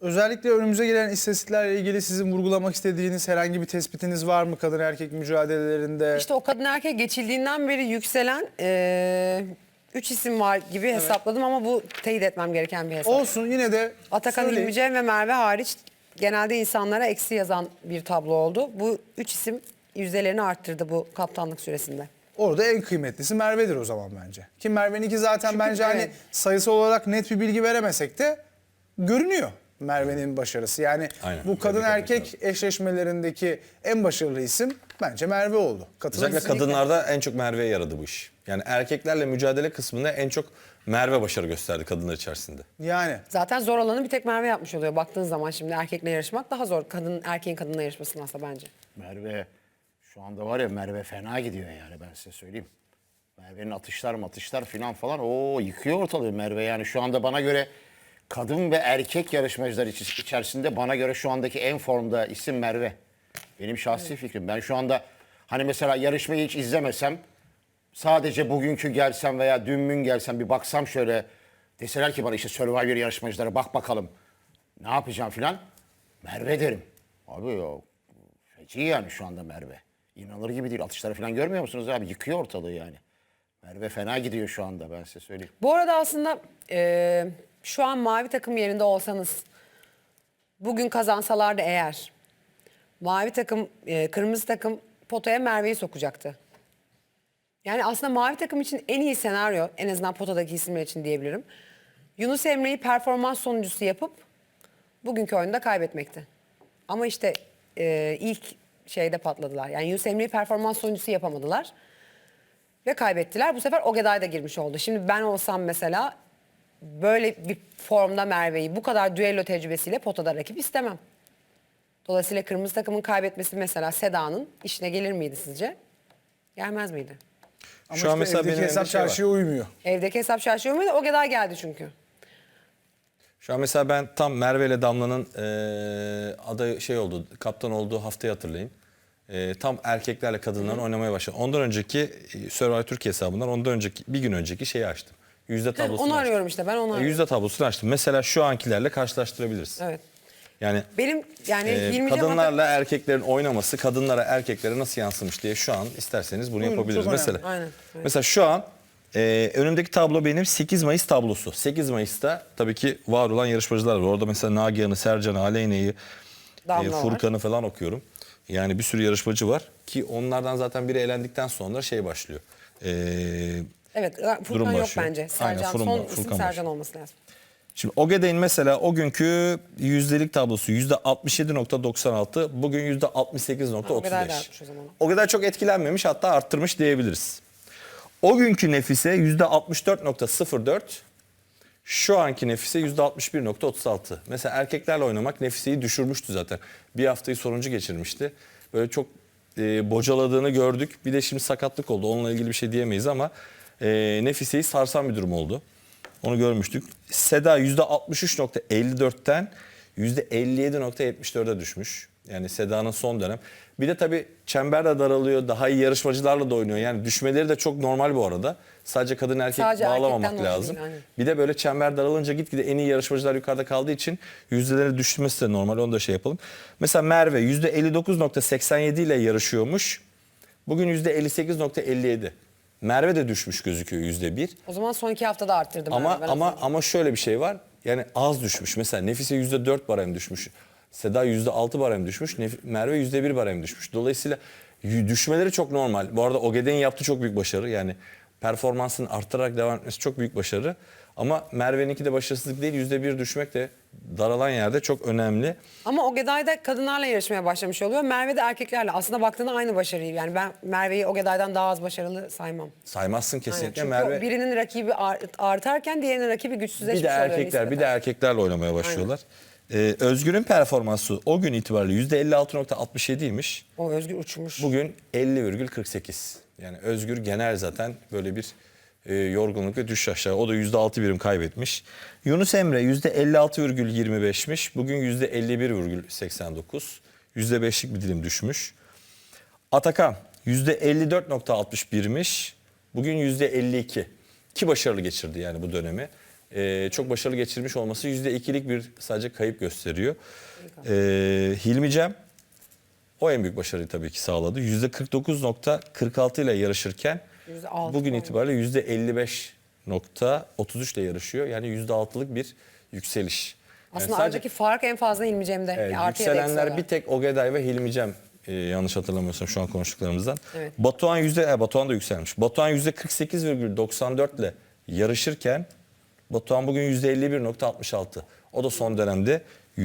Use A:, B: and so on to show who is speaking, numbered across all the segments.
A: Özellikle önümüze gelen istatistiklerle ilgili sizin vurgulamak istediğiniz herhangi bir tespitiniz var mı kadın erkek mücadelelerinde?
B: İşte o kadın erkek geçildiğinden beri yükselen 3 isim var gibi hesapladım ama bu teyit etmem gereken bir hesap.
A: Olsun, yine de
B: Atakan
A: söyleyin.
B: İlmice ve Merve hariç genelde insanlara eksi yazan bir tablo oldu. Bu 3 isim yüzdelerini arttırdı bu kaptanlık süresinde.
A: Orada en kıymetlisi Merve'dir o zaman bence. Ki Merve'ninki zaten bence hani
B: evet.
A: sayısal olarak net bir bilgi veremesek de görünüyor Merve'nin başarısı. Yani
C: Aynen.
A: bu kadın
C: Tebrik
A: erkek eşleşmelerindeki en başarılı isim bence Merve oldu. Katılır
C: Özellikle
A: mısınız?
C: kadınlarda en çok Merve'ye yaradı bu iş. Yani erkeklerle mücadele kısmında en çok Merve başarı gösterdi kadınlar içerisinde.
A: Yani
B: Zaten zor olanı bir tek Merve yapmış oluyor. Baktığın zaman şimdi erkekle yarışmak daha zor. Erkeğin kadınla yarışmasının aslında bence.
D: Merve şu anda var ya, Merve fena gidiyor yani, ben size söyleyeyim. Merve'nin atışlar filan falan o yıkıyor ortalığı Merve. Yani şu anda bana göre kadın ve erkek yarışmacılar içerisinde bana göre şu andaki en formda isim Merve. Benim şahsi fikrim. Ben şu anda hani mesela yarışmayı hiç izlemesem, sadece bugünkü gelsem veya dün mün gelsem bir baksam şöyle, deseler ki bana işte Survivor yarışmacılara bak bakalım ne yapacağım filan, Merve derim. Abi ya feci yani şu anda Merve. İnanılır gibi değil. Atışları falan görmüyor musunuz abi? Yıkıyor ortalığı yani. Merve fena gidiyor şu anda, ben size söyleyeyim.
B: Bu arada aslında şu an mavi takım yerinde olsanız, bugün kazansalardı eğer, mavi takım, kırmızı takım potaya Merve'yi sokacaktı. Yani aslında mavi takım için en iyi senaryo, en azından potadaki isimler için diyebilirim, Yunus Emre'yi performans sonuncusu yapıp bugünkü oyunda kaybetmekti. Ama işte ilk şeyde patladılar. Yani Yunus Emre'yi performans sonuncusu yapamadılar. Ve kaybettiler. Bu sefer Ogeday da girmiş oldu. Şimdi ben olsam mesela böyle bir formda Merve'yi bu kadar düello tecrübesiyle potada rakip istemem. Dolayısıyla kırmızı takımın kaybetmesi mesela Seda'nın işine gelir miydi sizce? Gelmez miydi?
A: ama
C: Şu an mesela
A: evdeki
C: benim
A: hesap
C: elimde şey var.
A: çarşıya uymuyor.
B: Evdeki hesap şaşıyor muydu? Ogeday geldi çünkü.
C: Şu an mesela ben tam Merve ile Damla'nın aday şey oldu, kaptan olduğu haftayı hatırlayın. Tam erkeklerle kadınların oynamaya başladı. Ondan önceki Survivor Türkiye hesabından ondan önceki bir gün önceki şeyi açtım. Yüzde tablosunu
B: Onu
C: açtım.
B: arıyorum işte, ben onu arıyorum.
C: Yüzde tablosunu açtım. Mesela şu ankilerle karşılaştırabiliriz.
B: Evet.
C: Yani
B: Benim yani Hilmi Cem
C: kadınlarla erkeklerin oynaması kadınlara erkeklere nasıl yansımış diye şu an isterseniz bunu
A: Buyurun,
C: yapabiliriz.
A: çok önemli.
C: Mesela,
B: Aynen, evet.
C: mesela şu an önümdeki tablo benim 8 Mayıs tablosu. 8 Mayıs'ta tabii ki var olan yarışmacılar var. Orada mesela Nagihan'ı, Sercan'ı, Aleyna'yı,
B: Damla var.
C: Furkan'ı falan okuyorum. Yani bir sürü yarışmacı var ki onlardan zaten biri elendikten sonra şey başlıyor.
B: Evet,
C: Durum
B: Furkan yok
C: başlıyor.
B: bence.
C: Aynen,
B: Sercan,
C: Furkan
B: son isim
C: başlıyor.
B: Sercan olması lazım.
C: Şimdi Ogeday'ın mesela o günkü yüzdelik tablosu %67.96, bugün %68.35.
B: Ogeday da artmış o zaman.
C: Ogeday çok etkilenmemiş, hatta arttırmış diyebiliriz. O günkü Nefise %64.04, şu anki Nefise %61.36. Mesela erkeklerle oynamak Nefise'yi düşürmüştü zaten. Bir haftayı sonuncu geçirmişti. Böyle çok bocaladığını gördük. Bir de şimdi sakatlık oldu. Onunla ilgili bir şey diyemeyiz ama Nefise'yi sarsan bir durum oldu. Onu görmüştük. Seda %63.54'ten %57.74'e düşmüş. Yani Seda'nın son dönem. Bir de tabii çember de daralıyor. Daha iyi yarışmacılarla da oynuyor. Yani düşmeleri de çok normal bu arada. Sadece kadın erkek
B: Sadece
C: bağlamamak
B: erkekten dolayı
C: lazım.
B: değil, aynen.
C: Bir de böyle çember daralınca gitgide en iyi yarışmacılar yukarıda kaldığı için yüzdeleri düşmesi de normal. Onu da şey yapalım. Mesela Merve %59.87 ile yarışıyormuş. Bugün %58.57. Merve de düşmüş gözüküyor %1.
B: O zaman son 2 haftada arttırdım.
C: Ama şöyle bir şey var. Yani az düşmüş. Mesela Nefise %4 barem düşmüş. Seda %6 barem düşmüş. Merve %1 barem düşmüş. Dolayısıyla düşmeleri çok normal. Bu arada Ogeday'ın yaptığı çok büyük başarı. Yani performansını arttırarak devam etmesi çok büyük başarı. Ama Merve'ninki de başarısızlık değil. %1 düşmek de daralan yerde çok önemli.
B: Ama Ogeday da kadınlarla yarışmaya başlamış oluyor. Merve de erkeklerle. Aslında baktığında aynı başarıyı. Yani ben Merve'yi Ogeday'dan daha az başarılı saymam.
C: Saymazsın
B: Aynen.
C: kesinlikle.
B: Çünkü
C: Merve
B: birinin rakibi artarken diğerinin rakibi güçsüzleşmiş
C: bir de
B: oluyor
C: erkekler, bir de
B: nispeten.
C: erkeklerle oynamaya başlıyorlar. Özgür'ün performansı o gün itibariyle %56.67'ymiş.
B: O Özgür uçmuş.
C: Bugün 50,48. Yani Özgür genel zaten böyle bir yorgunluk ve düş aşağı. O da %6 birim kaybetmiş. Yunus Emre %56,25'miş. Bugün %51,89. %5'lik bir dilim düşmüş. Atakan %54.61'miş. Bugün %52. Ki başarılı geçirdi yani bu dönemi. çok başarılı geçirmiş olması %2'lik bir sadece kayıp gösteriyor. Hilmi Cem o en büyük başarıyı tabii ki sağladı. %49.46 ile yarışırken
B: %6
C: bugün
B: olmuş.
C: itibariyle %55.33 ile yarışıyor. Yani %6'lık bir yükseliş. Yani
B: Aslında
C: sadece
B: aradaki fark en fazla Hilmi Cem'de. Artı ya da eksi
C: yükselenler
B: olarak.
C: bir tek Ogeday ve Hilmi Cem, yanlış hatırlamıyorsam şu an konuştuklarımızdan.
B: Evet.
C: Batuhan da yükselmiş. Batuhan %48,94 ile yarışırken Batuhan bugün %51,66. O da son dönemde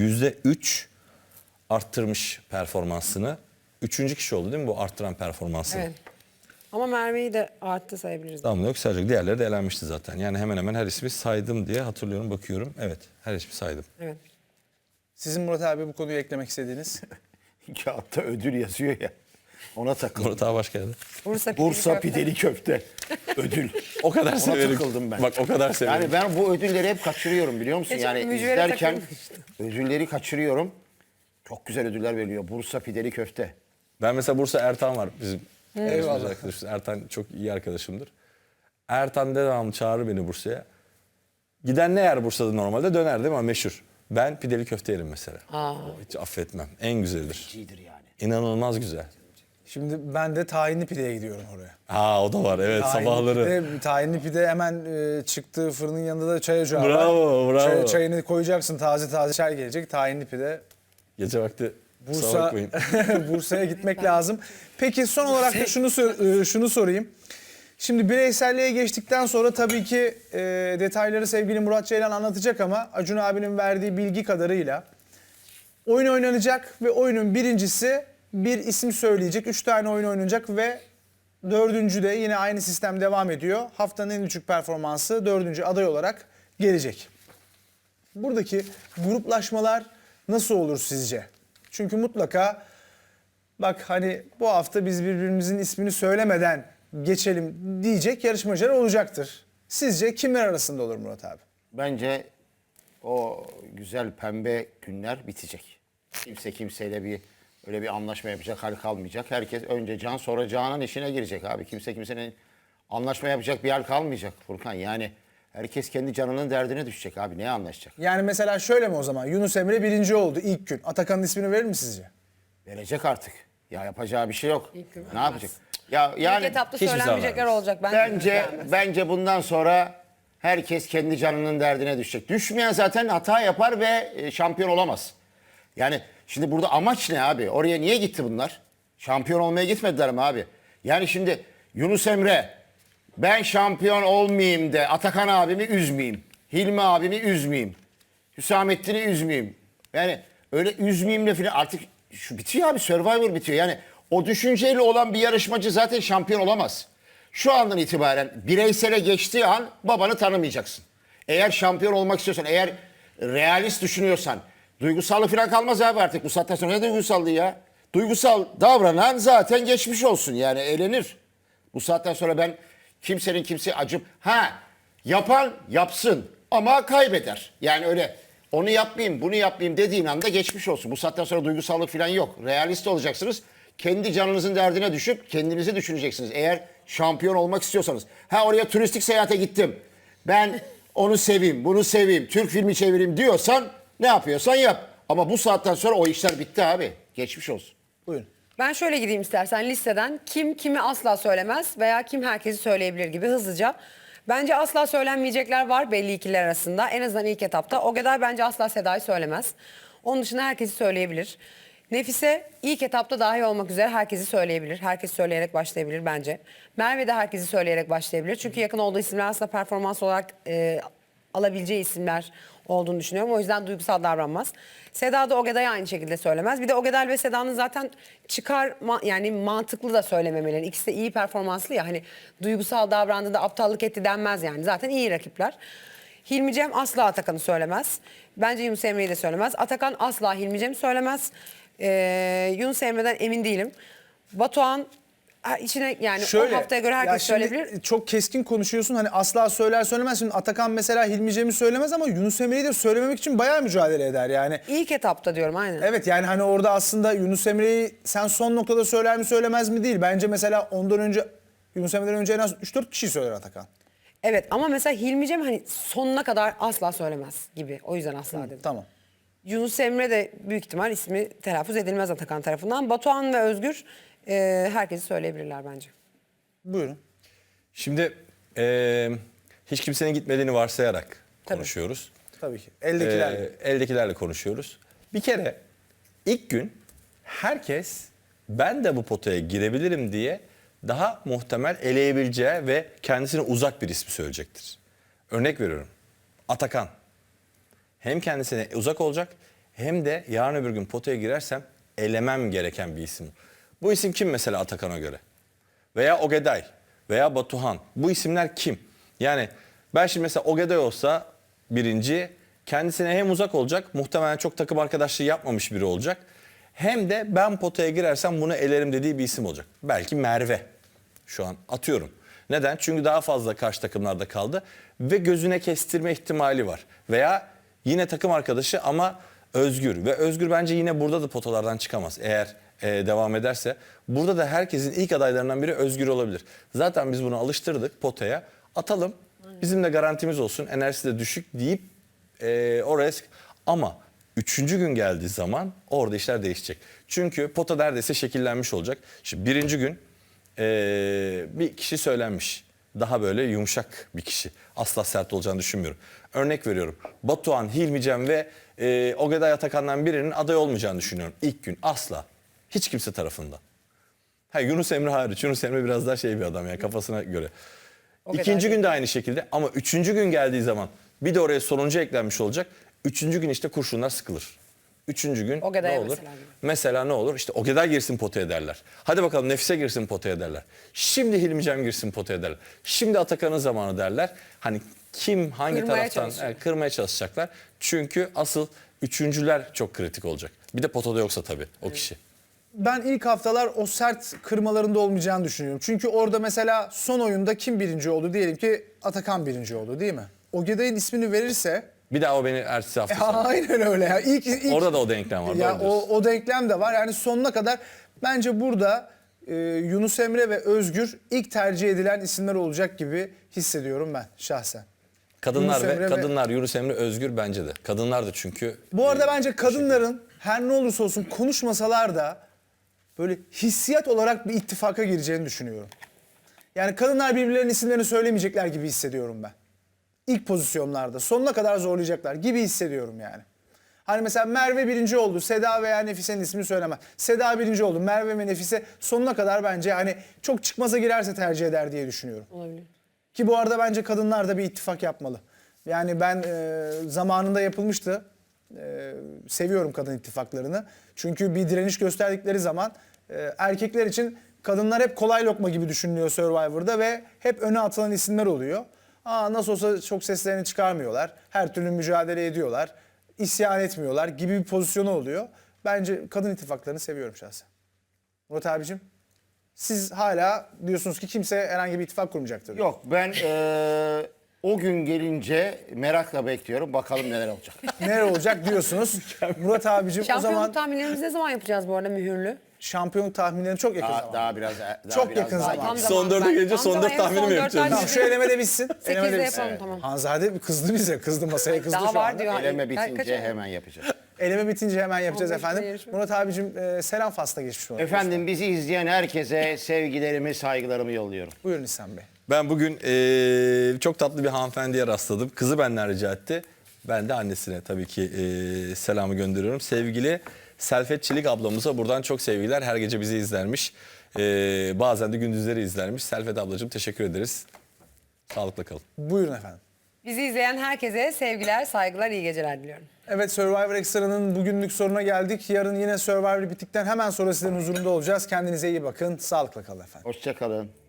C: %3 arttırmış performansını. Üçüncü kişi oldu değil mi bu arttıran performansını?
B: Evet. Ama Merve'yi de arttı sayabiliriz.
C: Damla yok sadece diğerleri de elenmişti zaten. Yani hemen hemen her ismi saydım diye hatırlıyorum, bakıyorum. Evet, her ismi saydım.
B: Evet.
A: Sizin Murat abi bu konuyu eklemek istediğiniz?
D: Kağıtta ödül yazıyor ya. Ona takıldım.
C: Murat abi hoş geldin.
D: Bursa pideli köfte. Ödül.
C: O kadar
D: Ona
C: severim.
D: takıldım ben.
C: Bak o kadar severim.
D: Yani ben bu ödülleri hep kaçırıyorum biliyor musun?
B: Geçen
D: Yani
B: mücvere
D: izlerken
B: takılmıştım.
D: ödülleri kaçırıyorum. Çok güzel ödüller veriliyor. Bursa pideli köfte.
C: Ben mesela Bursa Ertan var bizim
A: Eyvallah.
C: arkadaşımız. Ertan çok iyi arkadaşımdır. Ertan devamlı çağırır beni Bursa'ya. Giden ne yer Bursa'da normalde? Döner değil mi? Ama meşhur. Ben pideli köfte yerim mesela. Hiç affetmem. En güzelidir.
D: İyidir yani.
C: İnanılmaz güzel.
A: Şimdi ben de tahinli pideye gidiyorum oraya.
C: O da var evet, sabahları.
A: Tahinli pide hemen çıktığı fırının yanında da çay ocağı var.
C: Bravo.
A: Çayını koyacaksın, taze taze çay gelecek. Tahinli pide.
C: Gece vakti kusura
A: Bursa,
C: bakmayın.
A: Bursa'ya gitmek lazım. Peki son olarak da şunu sorayım. Şimdi bireyselliğe geçtikten sonra tabii ki detayları sevgili Murat Ceylan anlatacak ama Acun abinin verdiği bilgi kadarıyla oyun oynanacak ve oyunun birincisi bir isim söyleyecek. 3 tane oyun oynanacak ve dördüncü de yine aynı sistem devam ediyor. Haftanın en düşük performansı dördüncü aday olarak gelecek. Buradaki gruplaşmalar nasıl olur sizce? Çünkü mutlaka bak hani bu hafta biz birbirimizin ismini söylemeden geçelim diyecek yarışmacılar olacaktır. Sizce kimler arasında olur Murat abi?
D: Bence o güzel pembe günler bitecek. Kimse kimseyle öyle bir anlaşma yapacak hal kalmayacak. Herkes önce Can sonra Canan işine girecek abi. Kimse kimsenin anlaşma yapacak bir hal kalmayacak Furkan. Yani herkes kendi canının derdine düşecek abi. Neye anlaşacak?
A: Yani mesela şöyle mi o zaman? Yunus Emre birinci oldu ilk gün. Atakan'ın ismini verir mi sizce?
D: Verecek artık. Ya yapacağı bir şey yok.
B: İlk gün
D: Ne
B: vermez.
D: yapacak? Ya yani
B: İlk etapta
C: hiçbir
B: söylenmeyecekler
C: zaman
B: olacak.
D: bence bundan sonra herkes kendi canının derdine düşecek. Düşmeyen zaten hata yapar ve şampiyon olamaz. Yani şimdi burada amaç ne abi? Oraya niye gitti bunlar? Şampiyon olmaya gitmediler mi abi? Yani şimdi Yunus Emre ben şampiyon olmayayım de Atakan abimi üzmeyeyim. Hilmi abimi üzmeyeyim. Hüsamettin'i üzmeyeyim. Yani öyle üzmeyeyim de falan artık şu bitiyor abi, Survivor bitiyor. Yani o düşünceyle olan bir yarışmacı zaten şampiyon olamaz. Şu andan itibaren bireysele geçtiği an babanı tanımayacaksın. Eğer şampiyon olmak istiyorsan, eğer realist düşünüyorsan, duygusallık falan kalmaz abi artık. Bu saatten sonra ne duygusallığı ya? Duygusal davranan zaten geçmiş olsun yani eğlenir. Bu saatten sonra ben kimsenin kimseye acım... Yapan yapsın ama kaybeder. Yani öyle onu yapmayayım bunu yapmayayım dediğin anda geçmiş olsun. Bu saatten sonra duygusallık falan yok. Realist olacaksınız. Kendi canınızın derdine düşüp kendinizi düşüneceksiniz. Eğer şampiyon olmak istiyorsanız. Oraya turistik seyahate gittim. Ben onu seveyim, bunu seveyim, Türk filmi çevireyim diyorsan ne yapıyorsan yap. Ama bu saatten sonra o işler bitti abi. Geçmiş olsun.
A: Buyurun.
B: Ben şöyle gideyim istersen listeden. Kim kimi asla söylemez veya kim herkesi söyleyebilir gibi hızlıca. Bence asla söylenmeyecekler var belli ikililer arasında. En azından ilk etapta. Ogeday bence asla Seda'yı söylemez. Onun dışında herkesi söyleyebilir. Nefise ilk etapta dahi olmak üzere herkesi söyleyebilir. Herkes söyleyerek başlayabilir bence. Merve de herkesi söyleyerek başlayabilir. Çünkü yakın olduğu isimler aslında performans olarak alabileceği isimler olduğunu düşünüyorum. O yüzden duygusal davranmaz. Seda da Ogeday'a aynı şekilde söylemez. Bir de Ogeday ve Seda'nın zaten yani mantıklı da söylememeleri. İkisi de iyi performanslı ya, hani duygusal davrandı da aptallık etti denmez yani. Zaten iyi rakipler. Hilmi Cem asla Atakan'ı söylemez. Bence Yunus Emre'yi de söylemez. Atakan asla Hilmi Cem'i söylemez. Yunus Emre'den emin değilim. Batuhan içine yani o haftaya göre
A: ya
B: herkes
A: şimdi
B: söyleyebilir.
A: çok keskin konuşuyorsun hani asla söyler söylemez. Şimdi Atakan mesela Hilmi Cem'i söylemez ama Yunus Emre'yi de söylememek için bayağı mücadele eder yani.
B: İlk etapta diyorum aynen.
A: Evet yani hani orada aslında Yunus Emre'yi sen son noktada söyler mi söylemez mi değil. Bence mesela ondan önce Yunus Emre'den önce en az 3-4 kişi söyler Atakan.
B: Evet ama mesela Hilmi Cem hani sonuna kadar asla söylemez gibi. O yüzden asla dedim.
A: Tamam.
B: Yunus Emre de büyük ihtimal ismi telaffuz edilmez Atakan tarafından. Batuhan ve Özgür herkesi söyleyebilirler bence.
A: Buyurun.
C: Şimdi hiç kimsenin gitmediğini varsayarak konuşuyoruz.
A: Tabii ki. Eldekiler.
C: Eldekilerle konuşuyoruz. Bir kere ilk gün herkes ben de bu potaya girebilirim diye daha muhtemel eleyebileceği ve kendisine uzak bir ismi söyleyecektir. Örnek veriyorum. Atakan. Hem kendisine uzak olacak hem de yarın öbür gün potaya girersem elemem gereken bir isim. Bu isim kim mesela Atakan'a göre? Veya Ogeday veya Batuhan. Bu isimler kim? Yani ben şimdi mesela Ogeday olsa birinci, kendisine hem uzak olacak, muhtemelen çok takım arkadaşlığı yapmamış biri olacak. Hem de ben potaya girersem bunu elerim dediği bir isim olacak. Belki Merve. Şu an atıyorum. Neden? Çünkü daha fazla karşı takımlarda kaldı ve gözüne kestirme ihtimali var. Veya yine takım arkadaşı ama Özgür. Ve Özgür bence yine burada da potalardan çıkamaz eğer devam ederse. Burada da herkesin ilk adaylarından biri Özgür olabilir. Zaten biz bunu alıştırdık potaya. Atalım. Bizim de garantimiz olsun. Enerjisi de düşük deyip oraya... Ama 3. gün geldiği zaman orada işler değişecek. Çünkü pota neredeyse şekillenmiş olacak. Şimdi 1. gün bir kişi söylenmiş. Daha böyle yumuşak bir kişi. Asla sert olacağını düşünmüyorum. Örnek veriyorum. Batuhan, Hilmi Cem ve Ogeday Atakan'dan birinin aday olmayacağını düşünüyorum. İlk gün asla. Hiç kimse tarafından. Yunus Emre hariç. Yunus Emre biraz daha bir adam yani kafasına göre. İkinci gün de aynı şekilde ama 3. gün geldiği zaman bir de oraya sonuncu eklenmiş olacak. 3. gün işte kurşunlar sıkılır. 3. gün
B: Ogeday'a
C: ne olur?
B: mesela gibi.
C: Mesela ne olur? İşte Ogeday girsin potaya derler. Hadi bakalım Nefise girsin potaya derler. Şimdi Hilmi Cem girsin potaya derler. Şimdi Atakan'ın zamanı derler. Hani kim hangi
B: Kırmaya
C: taraftan
B: çalışacak.
C: kırmaya çalışacaklar. Çünkü asıl üçüncüler çok kritik olacak. Bir de potada yoksa tabii o kişi.
A: Ben ilk haftalar o sert kırmalarında olmayacağını düşünüyorum. Çünkü orada mesela son oyunda kim birinci oldu? Diyelim ki Atakan birinci oldu değil mi? Ogeday'ın ismini verirse...
C: Bir daha o beni ertesi hafta sonra.
A: Aynen öyle ya. İlk,
C: Orada da o denklem var.
A: ya
C: doğru diyorsun.
A: o denklem de var. Yani sonuna kadar bence burada Yunus Emre ve Özgür ilk tercih edilen isimler olacak gibi hissediyorum ben şahsen.
C: Kadınlar
A: Yunus Emre
C: ve
A: ve-
C: kadınlar Yunus Emre Özgür bence de. Kadınlar da çünkü
A: Bu arada bence kadınların her ne olursa olsun konuşmasalar da böyle hissiyat olarak bir ittifaka gireceğini düşünüyorum. Yani kadınlar birbirlerinin isimlerini söylemeyecekler gibi hissediyorum ben. İlk pozisyonlarda sonuna kadar zorlayacaklar gibi hissediyorum yani. Hani mesela Merve birinci oldu. Seda veya Nefise'nin ismini söylemez. Seda birinci oldu. Merve ve Nefise sonuna kadar bence hani çok çıkmaza girerse tercih eder diye düşünüyorum.
B: Olabilir.
A: Ki bu arada bence kadınlar da bir ittifak yapmalı. Yani ben zamanında yapılmıştı. Seviyorum kadın ittifaklarını. Çünkü bir direniş gösterdikleri zaman erkekler için kadınlar hep kolay lokma gibi düşünülüyor Survivor'da ve hep öne atılan isimler oluyor. Nasıl olsa çok seslerini çıkarmıyorlar. Her türlü mücadele ediyorlar. İsyan etmiyorlar gibi bir pozisyonu oluyor. Bence kadın ittifaklarını seviyorum şahsen. Murat abicim, siz hala diyorsunuz ki kimse herhangi bir ittifak kurmayacaktır.
D: Yok ben o gün gelince merakla bekliyorum. Bakalım neler olacak.
A: Neler olacak diyorsunuz. Murat abicim o
B: Şampiyonluk
A: zaman
B: tahminlerimizi ne zaman yapacağız bu arada mühürlü?
A: şampiyonluk tahminlerini çok yakın zaman.
D: Daha biraz
A: Çok
D: biraz
A: yakın
D: daha
A: zaman.
C: Son dörde gelince son dört tahmini mi yapacağız?
A: Tamam şu eleme de bitsin. Eleme de
B: 8'de
A: bitsin.
B: yapalım tamam.
A: Hanzade kızdı bize. Kızdı masaya kızdı
B: Daha
A: şu
B: var
A: anda.
B: diyor.
D: Eleme
B: Kaç
D: bitince
B: ay?
D: hemen yapacağız.
A: Eleme bitince hemen yapacağız
B: 15'te
A: efendim.
B: yarışma.
A: Murat abicim selam fasla geçmiş olsun.
D: Efendim bizi izleyen herkese sevgilerimi, saygılarımı yolluyorum.
A: Buyurun İhsan Bey.
C: Ben bugün çok tatlı bir hanımefendiye rastladım. Kızı benden rica etti. Ben de annesine tabii ki selamı gönderiyorum. Sevgili Selfet Çelik ablamıza buradan çok sevgiler. Her gece bizi izlermiş. Bazen de gündüzleri izlermiş. Selfet ablacığım teşekkür ederiz. Sağlıkla kalın.
A: Buyurun efendim.
B: Bizi izleyen herkese sevgiler, saygılar, iyi geceler diliyorum.
A: Evet Survivor Extra'nın bugünlük sonuna geldik. Yarın yine Survivor bittikten hemen sonra sizlerin huzurunda olacağız. Kendinize iyi bakın. Sağlıkla kalın efendim.
D: Hoşça kalın.